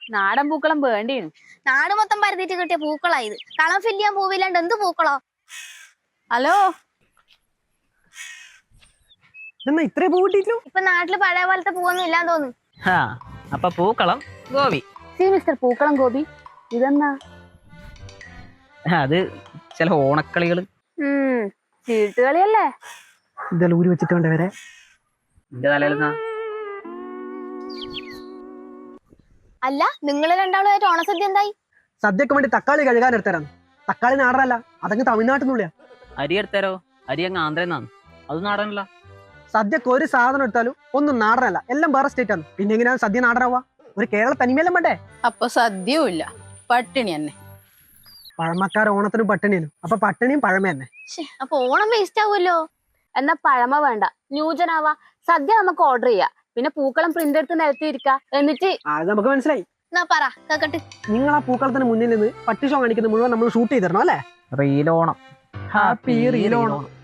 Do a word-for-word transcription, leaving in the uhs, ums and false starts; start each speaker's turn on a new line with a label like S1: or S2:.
S1: നാടൻ പൂക്കളം വേണ്ടിയും
S2: നാട് മൊത്തം പരത്തിട്ട് കിട്ടിയ പൂക്കളാ ഇത്. കളം ഫില്ല് ചെയ്യാൻ പൂവില്ലാണ്ട് എന്ത് പൂക്കളോ?
S1: ഹലോ
S3: എന്നാ ഇത്രേ പൂ കിട്ടിയില്ലോ?
S2: ഇപ്പൊ നാട്ടില് പഴയ പോലത്തെ പൂവൊന്നും ഇല്ലാന്ന് തോന്നുന്നു.
S4: ആ അപ്പൊ പൂക്കളം ഗോപി.
S1: സി മിസ്റ്റർ പൂക്കളം ഗോപി, ഇതെന്നാ?
S4: അത് ചില ഓണക്കളികള്.
S1: ഉം ചീട്ടുകളിയല്ലേ?
S3: ഇതെല്ലാം ഊരി വെച്ചിട്ട് വേണ്ട വരെ.
S4: എന്റെ തലയിൽ
S2: അല്ല, നിങ്ങള് രണ്ടാളുമായിട്ട് ഓണസദ്യ എന്തായി?
S3: സദ്യക്ക് വേണ്ടി തക്കാളി കഴുകാൻ എടുത്തരാന്ന്. തക്കാളി നാടനല്ല, അതങ്ങ് തമിഴ്നാട്ടിൽ നിന്നുള്ളിയാ.
S4: അരി എടുത്തരോ? അരി അങ്ങ് ആന്ധ്രന്നാണ്, അത് നാടനല്ല.
S3: സദ്യക്ക് ഒരു സാധനം എടുത്താലും ഒന്നും നാടനല്ല, എല്ലാം വേറെ സ്റ്റേറ്റ് ആണ്. പിന്നെ എങ്ങനെയാണ് സദ്യ നാടനാവുക? ഒരു കേരള തനിമയെല്ലാം വേണ്ടേ?
S1: അപ്പൊ സദ്യയും ഇല്ല, പട്ടിണി തന്നെ.
S3: പഴമക്കാർ ഓണത്തിനും പട്ടിണിയിലും, അപ്പൊ പട്ടിണിയും പഴമ തന്നെ.
S2: അപ്പൊ ഓണം വേസ്റ്റ് ആവുമല്ലോ.
S1: എന്നാ പഴമ വേണ്ട, ന്യൂജനാവാ. സദ്യ നമുക്ക് ഓർഡർ ചെയ്യാം, പിന്നെ പൂക്കളം പ്രിന്റ് എടുത്ത് നിരത്തിയിരിക്ക. എന്നിട്ട്
S3: അത് നമുക്ക് മനസ്സിലായി.
S2: എന്നാ പറ കേക്കട്ട്.
S3: നിങ്ങൾ ആ പൂക്കളത്തിന് മുന്നിൽ നിന്ന് പട്ടി ഷോ കാണിക്കുന്ന മുഴുവൻ നമ്മൾ ഷൂട്ട് ചെയ്തിരണം അല്ലേ?
S4: റീലോണം.
S3: ഹാപ്പി റീലോണം.